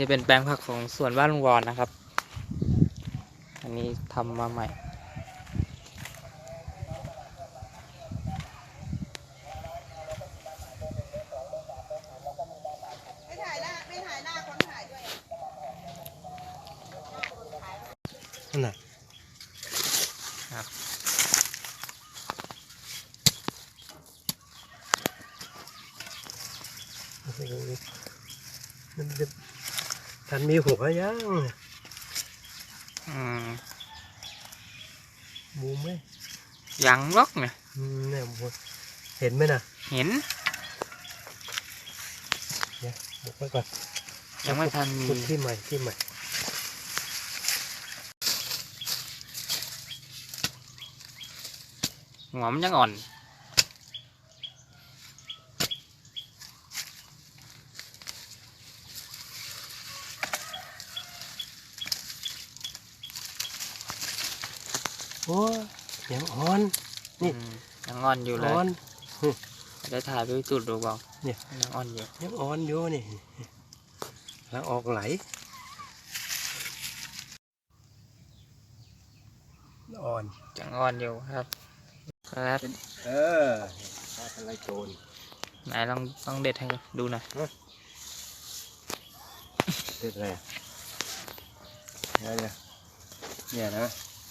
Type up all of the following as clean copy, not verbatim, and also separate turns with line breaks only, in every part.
จะเป็นแปลงผักของสวนบ้านลุงวอนนะครับอันนี้ทำมาใหม่
ไม่ถ่ายหน้าคนถ่ายด้วย
นั่นน่ะมันจะทันมีหัวยังบูมไหม
ยังล็อกเนี่ย
เนี่ยเห็นไหมน่ะ
เห็น
เดี๋ยวบุกไปก่อน
ยังไม่ทันมี
ที่ใหม่
หอมยังอ่อน
โอ้ยังอ่อนนี่
ยังอ่อนอยู่เลยได้ถ่ายไปจุดดูบ้าง
เนี่ย
ยังอ่อนอยู่
นี่แล้วออกไหลอ่อน
ยังอ่อนอยู่ครับ
อะไรโจร
ไหนลองเด็ดให้ดูหน่อย
เด็ดอะไรเนี่ยนะ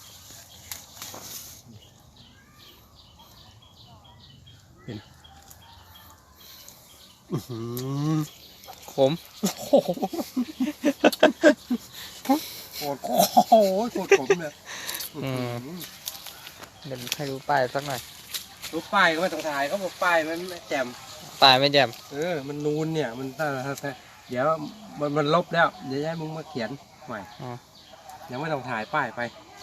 เห็น
ขม
โอ้โหโคตรขมเลย
เดี๋ยวให้ดูป้ายสักหน่อย
ดูป้ายก็ไม่ต้องถ่ายเขาบอกป้ายมันไม่แจ่ม
ป้ายไม่แจ่ม
มันนูนเนี่ยมันถ้าเดี๋ยวมันลบแล้วเดี๋ยวให้มึงมาเขียนใหม่ยังไม่ต้องถ่ายป้ายไป